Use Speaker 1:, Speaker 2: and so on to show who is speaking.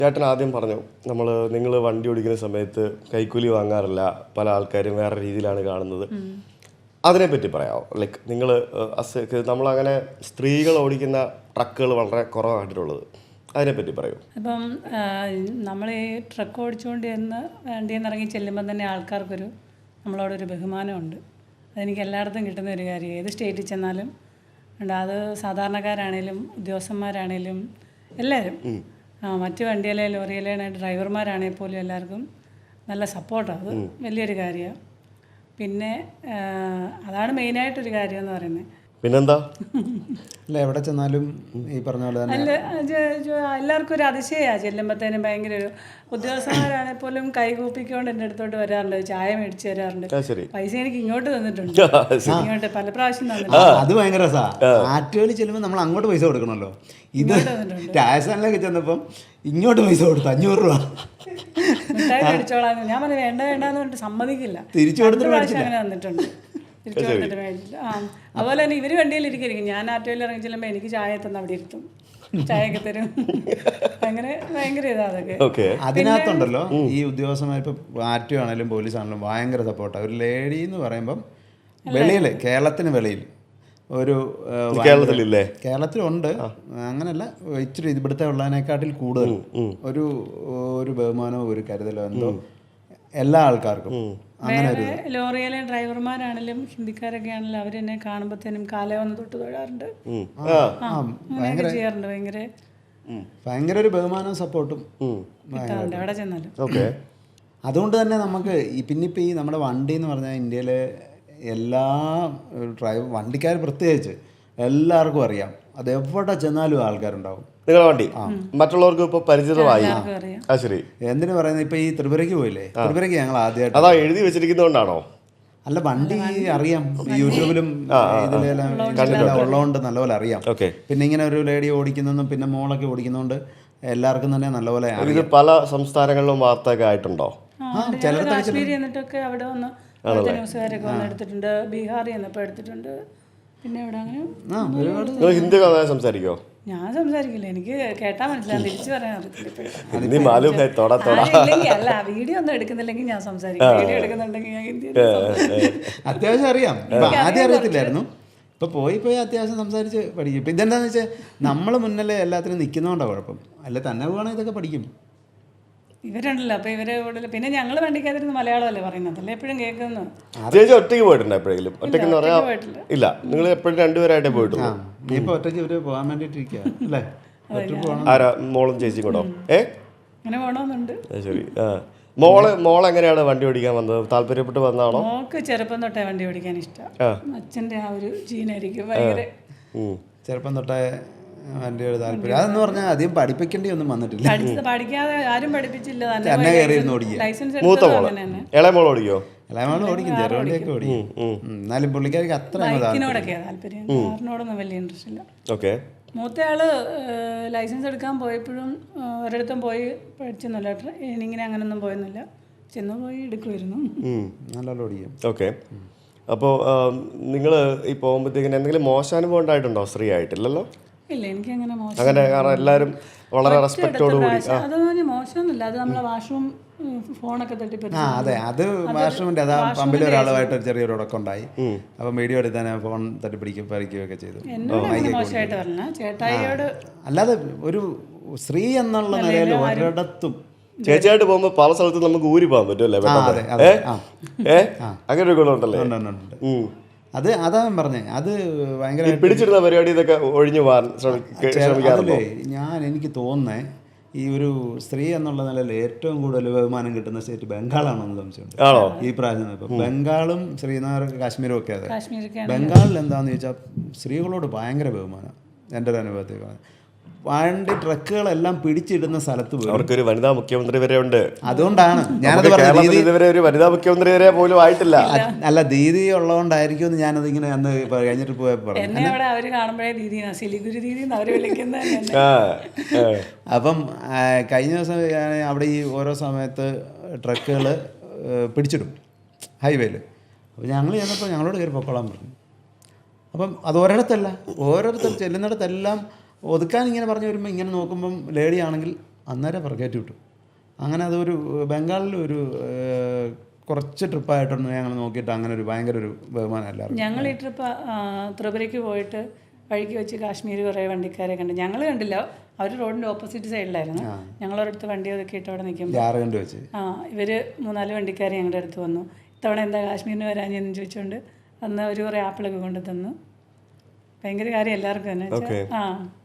Speaker 1: ചേട്ടൻ ആദ്യം പറഞ്ഞു നിങ്ങൾ വണ്ടി ഓടിക്കുന്ന സമയത്ത് കൈക്കൂലി വാങ്ങാറില്ല, പല ആൾക്കാരും വേറെ രീതിയിലാണ് കാണുന്നത്. അതിനെപ്പറ്റി പറയാമോ? ലൈക്ക് നമ്മളങ്ങനെ സ്ത്രീകൾ ഓടിക്കുന്ന ട്രക്കുകൾ വളരെ കുറവായിട്ടുള്ളത്, അതിനെപ്പറ്റി പറയൂ.
Speaker 2: അപ്പം നമ്മൾ ഈ ട്രക്ക് ഓടിച്ചുകൊണ്ട് വണ്ടിയിൽ നിന്ന് ഇറങ്ങി ചെല്ലുമ്പം തന്നെ ആൾക്കാർക്കൊരു നമ്മളോടൊരു ബഹുമാനമുണ്ട്. അതെനിക്ക് എല്ലായിടത്തും കിട്ടുന്ന ഒരു കാര്യം. ഏത് സ്റ്റേറ്റിൽ ചെന്നാലും ഉണ്ട്. അത് സാധാരണക്കാരാണേലും ഉദ്യോഗസ്ഥന്മാരാണേലും എല്ലാവരും, മറ്റു വണ്ടിയിലെ ലോറിയിലെ ഡ്രൈവർമാരാണെങ്കിൽ പോലും എല്ലാവർക്കും നല്ല സപ്പോർട്ടാണ്. അത് വലിയൊരു കാര്യമാണ്. പിന്നെ അതാണ് മെയിനായിട്ടൊരു കാര്യം എന്ന് പറയുന്നത്.
Speaker 1: പിന്നെന്താ,
Speaker 3: അല്ല എവിടെ ചെന്നാലും ഈ പറഞ്ഞ പോലെ തന്നെ
Speaker 2: എല്ലാവർക്കും ഒരു അതിശയമാണ്. ചെല്ലുമ്പോഴത്തേനും ഭയങ്കര ഒരു ഉദ്യോഗസ്ഥന്മാരാണെങ്കിൽ പോലും കൈകൂപ്പിക്കൊണ്ട് എൻ്റെ അടുത്തോട്ട് വരാറുണ്ട്, ചായ മേടിച്ച് തരാറുണ്ട്. പൈസ എനിക്ക് ഇങ്ങോട്ട് തന്നിട്ടുണ്ട്, ഇങ്ങോട്ട് പല പ്രാവശ്യം തന്നിട്ടുണ്ട്.
Speaker 3: അത് ഭയങ്കര രസമാണ്. ആറ്റുകളിൽ ചെല്ലുമ്പോൾ നമ്മൾ അങ്ങോട്ട് പൈസ കൊടുക്കണമല്ലോ. ഇത് രാജസ്ഥാനിലേക്ക് ചെന്നപ്പം ഇങ്ങോട്ട് പൈസ കൊടുത്തു 500 രൂപ.
Speaker 2: മിഠായി മേടിച്ചോളാം ഞാൻ പറഞ്ഞു, വേണ്ട വേണ്ടെന്ന് പറഞ്ഞിട്ട് സമ്മതിക്കില്ല.
Speaker 3: തിരിച്ചു കൊടുത്തിട്ട്
Speaker 2: അങ്ങനെ തന്നിട്ടുണ്ട്, തിരിച്ചു കൊടുത്തിട്ട് മേടിച്ചില്ല. അതുപോലെ തന്നെ ഇവർ വണ്ടിയിൽ ഇരിക്കും, ഞാൻ ആറ്റോയിൽ ഇറങ്ങി ചെല്ലുമ്പോൾ എനിക്ക് ചായ തന്ന് അവിടെ ഇരുത്തും, ചായയൊക്കെ തരും. അങ്ങനെ ഭയങ്കര ഇതാ അതൊക്കെ.
Speaker 3: അതിനകത്തുണ്ടല്ലോ ഈ ഉദ്യോഗസ്ഥന്മാർ ഇപ്പോൾ ആറ്റോ ആണെങ്കിലും പോലീസ് ആണെങ്കിലും ഭയങ്കര സപ്പോർട്ടാണ്. ഒരു ലേഡി എന്ന് പറയുമ്പം വെളിയിൽ, കേരളത്തിന് വെളിയിൽ ഒരു കേരളത്തിലുണ്ട്, അങ്ങനല്ല ഇച്ചിരി ഇവിടുത്തെ ഉള്ളതിനെക്കാട്ടിൽ കൂടുതൽ ഒരു ബഹുമാനമോ ഒരു കരുതലോ എന്തോ എല്ലാ ആൾക്കാർക്കും. അങ്ങനെ ഒരു
Speaker 2: ലോറിയിലെ ഡ്രൈവർമാരാണെങ്കിലും ഹിന്ദിക്കാരൊക്കെ ആണെങ്കിലും അവരെന്നെ കാണുമ്പോഴത്തേനും കാലേ വന്ന് തൊട്ട് തൊഴാറുണ്ട്, ചെയ്യാറുണ്ട്.
Speaker 3: ഭയങ്കര ഒരു ബഹുമാനവും സപ്പോർട്ടും
Speaker 2: എവിടെ ചെന്നാലും.
Speaker 3: അതുകൊണ്ട് തന്നെ നമുക്ക് പിന്നിപ്പോൾ ഈ നമ്മുടെ വണ്ടി എന്ന് പറഞ്ഞാൽ ഇന്ത്യയിലെ എല്ലാ വണ്ടിക്കാർ പ്രത്യേകിച്ച് എല്ലാവർക്കും അറിയാം. അത് എവിടെ ചെന്നാലും ആൾക്കാരുണ്ടാവും.
Speaker 1: നിങ്ങളുടെ വണ്ടി മറ്റുള്ളവർക്ക് ഇപ്പോൾ പരിചിതമായി. ശരി,
Speaker 3: എന്തിനു പറയുന്നത്, ഇപ്പോൾ ഈ ത്രിപുരയ്ക്ക് പോയില്ലേ, ത്രിപുരയ്ക്ക് ഞങ്ങൾ ആദ്യമായിട്ട്
Speaker 1: അതാ എഴുതി വെച്ചിരിക്കുന്നതുകൊണ്ടാണോ?
Speaker 3: അല്ല, വണ്ടി അറിയാം, യൂട്യൂബിലും ഇതിലെല്ലാം ഉള്ളതുകൊണ്ട് നല്ലപോലെ അറിയാം. പിന്നെ ഇങ്ങനെ ഒരു ലേഡി ഓടിക്കുന്നതും പിന്നെ മോളൊക്കെ ഓടിക്കുന്നതുകൊണ്ട് എല്ലാവർക്കും തന്നെ നല്ലപോലെ
Speaker 1: ഇത് പല സംസ്ഥാനങ്ങളിലും വാർത്തയൊക്കെ ആയിട്ടുണ്ടോ?
Speaker 2: കാശ്മീരി എന്നിട്ടൊക്കെ അവിടെ വന്ന് ന്യൂസുകാരൊക്കെ വന്ന് എടുത്തിട്ടുണ്ട്, ബീഹാറിൽ നിന്നപ്പോൾ എടുത്തിട്ടുണ്ട്. പിന്നെ ഇവിടെ അങ്ങനെ
Speaker 1: ഹിന്ദി സംസാരിക്കോ?
Speaker 2: ഞാൻ സംസാരിക്കില്ല, എനിക്ക് കേട്ടാ മനസ്സിലാവും, തിരിച്ചു പറയാൻ അറിയത്തില്ല. അല്ല, വീഡിയോ ഒന്നും എടുക്കുന്നില്ലെങ്കിൽ ഞാൻ സംസാരിക്കും, വീഡിയോ എടുക്കുന്നുണ്ടെങ്കിൽ ഞാൻ ഹിന്ദി
Speaker 3: അത്യാവശ്യം അറിയാം. ആദ്യം അറിയത്തില്ലായിരുന്നു, ഇപ്പൊ പോയി അത്യാവശ്യം സംസാരിച്ച് പഠിക്കും. ഇപ്പൊ ഇതെന്താന്ന് വെച്ചാൽ നമ്മൾ മുന്നിൽ എല്ലാത്തിനും നിൽക്കുന്നതുകൊണ്ടാണ് കുഴപ്പം. അല്ല തന്നെ പോകണമെങ്കിൽ ഇതൊക്കെ പഠിക്കും.
Speaker 2: ഇവരുണ്ടല്ലോ, അപ്പൊ ഇവര് കൂടുതൽ. പിന്നെ ഞങ്ങൾ വണ്ടിക്കകത്തിരുന്ന് മലയാളമല്ലേ പറയുന്നത്, അല്ലേ എപ്പോഴും കേൾക്കുന്നത്.
Speaker 1: ചേച്ചി ഒറ്റയ്ക്ക് പോയിട്ടുണ്ടോ എപ്പോഴെങ്കിലും? ഒറ്റയ്ക്ക് ഇല്ല, നിങ്ങൾ എപ്പോഴും രണ്ടുപേരായിട്ടേ പോയിട്ടുള്ളൂ.
Speaker 3: ഇപ്പൊ ഒറ്റയ്ക്ക് ഇവര് പോകാൻ വേണ്ടിട്ടിരിക്കുക അല്ലേ?
Speaker 1: ആരാ, മോളും ചേച്ചിയും കൂടോ?
Speaker 2: അങ്ങനെ പോകണമെന്നുണ്ട്.
Speaker 1: ശരി. മോൾ എങ്ങനെയാണ് വണ്ടി ഓടിക്കാൻ വന്നത്? താല്പര്യപ്പെട്ട് വന്നതാണോ?
Speaker 2: മോൾക്ക് ചെറുപ്പം തൊട്ടേ വണ്ടി ഓടിക്കാൻ ഇഷ്ടം. അച്ഛൻ്റെ ആ ഒരു ജീനായിരിക്കും ഭയങ്കര.
Speaker 3: ചെറുപ്പം തൊട്ടേ വണ്ടിയുടെ താല്പര്യം. അതെന്ന് പറഞ്ഞാൽ അധികം പഠിപ്പിക്കേണ്ടി ഒന്നും വന്നിട്ടില്ല.
Speaker 2: പഠിക്കാതെ ആരും പഠിപ്പിച്ചില്ല,
Speaker 3: തന്നെ കയറിയിരുന്ന് ഓടിക്കുക.
Speaker 1: മൂത്ത മോള്, ഇളയ മോൾ ഓടിക്കോ?
Speaker 3: ഇളയ മോള് ഓടിക്കും, ചെറു വണ്ടിയൊക്കെ ഓടിക്കും. എന്നാലും പുള്ളിക്കാർക്ക് അത്ര
Speaker 2: ബൈക്കിനോടൊക്കെയാണ് താല്പര്യം, കാറിനോടൊന്നും വലിയ ഇൻട്രസ്റ്റ് ഇല്ല. മൂത്തയാള് ലൈസൻസ് എടുക്കാൻ പോയപ്പോഴും ഒരിടത്തും പോയി പഠിച്ചൊന്നുമില്ല, ട്രെയിനിങ്ങിന് അങ്ങനെയൊന്നും പോയൊന്നുമില്ല. ചെന്ന് പോയി എടുക്കുമായിരുന്നു,
Speaker 3: നല്ലോണം ഓടിക്കും.
Speaker 1: ഓക്കെ. അപ്പോൾ നിങ്ങൾ ഈ പോകുമ്പോഴത്തേക്കിന് എന്തെങ്കിലും മോശാനുഭവം ഉണ്ടായിട്ടുണ്ടോ? സ്ത്രീ ആയിട്ടില്ലല്ലോ?
Speaker 2: ഇല്ല, എനിക്ക് അങ്ങനെ മോശം
Speaker 1: അങ്ങനെ, കാരണം എല്ലാവരും വളരെ റെസ്പെക്റ്റോട് കൂടി.
Speaker 2: അതൊന്നും മോശമൊന്നുമില്ല, അത് നമ്മളെ വാഷ്റൂം ഫോണൊക്കെ തട്ടിപ്പറ്റി.
Speaker 3: അതെ, അത് വാഷ്റൂമിൻ്റെ അതാ പമ്പിൽ ഒരാളുമായിട്ട് ചെറിയൊരു ഉടക്കം ഉണ്ടായി. അപ്പം വീഡിയോ എടുത്താൽ ഫോൺ പറിക്കുകയൊക്കെ ചെയ്തു.
Speaker 2: മോശമായിട്ട് പറഞ്ഞ ചേട്ടായിയോട്
Speaker 1: അല്ലാതെ
Speaker 3: ഒരു സ്ത്രീ എന്നുള്ള നിലയിൽ ഒരിടത്തും
Speaker 1: ചേച്ചിയായിട്ട് പോകുമ്പോൾ പല സ്ഥലത്തും നമുക്ക് ഊരി പോകാൻ പറ്റും അല്ലേ? അങ്ങനെ ഒരു ഗുണമുണ്ടല്ലേ?
Speaker 3: അതാ ഞാൻ പറഞ്ഞേ, അത് ഭയങ്കര
Speaker 1: പിടിച്ചിരുന്ന പരിപാടി ഇതൊക്കെ ഒഴിഞ്ഞു പോകാൻ ശ്രമിക്കാറുണ്ടോ?
Speaker 3: എനിക്ക് തോന്നുന്നേ ഈ ഒരു സ്ത്രീ എന്നുള്ള നിലയിൽ ഏറ്റവും കൂടുതൽ ബഹുമാനം കിട്ടുന്ന സ്റ്റേറ്റ് ബംഗാളാണെന്ന് സംശയമുണ്ട്. ഈ പ്രാവശ്യം ഇപ്പം ബംഗാളും ശ്രീനഗർ കാശ്മീരും ഒക്കെ. അതെ, ബംഗാളിൽ എന്താണെന്ന് ചോദിച്ചാൽ സ്ത്രീകളോട് ഭയങ്കര ബഹുമാനം. എൻ്റെ ഒരു അനുഭവത്തിൽ വണ്ടി ട്രക്കുകളെല്ലാം പിടിച്ചിടുന്ന സ്ഥലത്ത് പോയി.
Speaker 1: അവർക്കൊരു വനിതാ മുഖ്യമന്ത്രി വരെ ഉണ്ട്.
Speaker 3: അതുകൊണ്ടാണ് ഞാനത് പറഞ്ഞത്.
Speaker 1: ഇതുവരെ ഒരു വനിതാ മുഖ്യമന്ത്രി വരെ പോലും ആയിട്ടില്ല.
Speaker 3: അല്ല, ദീദി ഉള്ളതുകൊണ്ടായിരിക്കും എന്ന് ഞാനത് ഇങ്ങനെ അന്ന് കഴിഞ്ഞിട്ട് പോയപ്പോൾ അപ്പം കഴിഞ്ഞ ദിവസം അവിടെ ഈ ഓരോ സമയത്ത് ട്രക്കുകൾ പിടിച്ചിടും ഹൈവേയിൽ. അപ്പോൾ ഞങ്ങൾ ചെന്നപ്പോൾ ഞങ്ങളോട് കയറി പൊക്കോളാൻ പറഞ്ഞു. അപ്പം അത് ഓരോരുത്തർ ചെല്ലുന്നിടത്തെല്ലാം ഒതുക്കാൻ ഇങ്ങനെ പറഞ്ഞു വരുമ്പോൾ ഇങ്ങനെ നോക്കുമ്പം ലേഡി ആണെങ്കിൽ അന്നേരം കയറ്റി വിട്ടു. അങ്ങനെ അതൊരു ബംഗാളിൽ ഒരു കുറച്ച് ട്രിപ്പായിട്ടൊന്ന് ഞങ്ങൾ നോക്കിയിട്ട് അങ്ങനെ ഒരു ഭയങ്കര ഒരു ബഹുമാനം എല്ലാവരും.
Speaker 2: ഞങ്ങൾ ഈ ട്രിപ്പ് ത്രിപുരയ്ക്ക് പോയിട്ട് വഴിക്ക് വെച്ച് കാശ്മീർ കുറേ വണ്ടിക്കാരെ കണ്ടു. ഞങ്ങൾ കണ്ടില്ല, അവർ റോഡിൻ്റെ ഓപ്പോസിറ്റ് സൈഡിലായിരുന്നു. ഞങ്ങളൊരിടത്ത് വണ്ടി ഒതുക്കിയിട്ട് അവിടെ നിൽക്കുമ്പോൾ
Speaker 3: ജാർഖണ്ഡ് വെച്ച്
Speaker 2: ഇവർ 3-4 വണ്ടിക്കാർ ഞങ്ങളുടെ അടുത്ത് വന്നു. ഇത്തവണ എന്താ കാശ്മീരിന് വരാഞ്ഞെന്ന് ചോദിച്ചുകൊണ്ട് അന്ന് അവർ കുറേ ആപ്പിളൊക്കെ കൊണ്ടു തന്നു. ഭയങ്കര കാര്യം എല്ലാവർക്കും തന്നെ.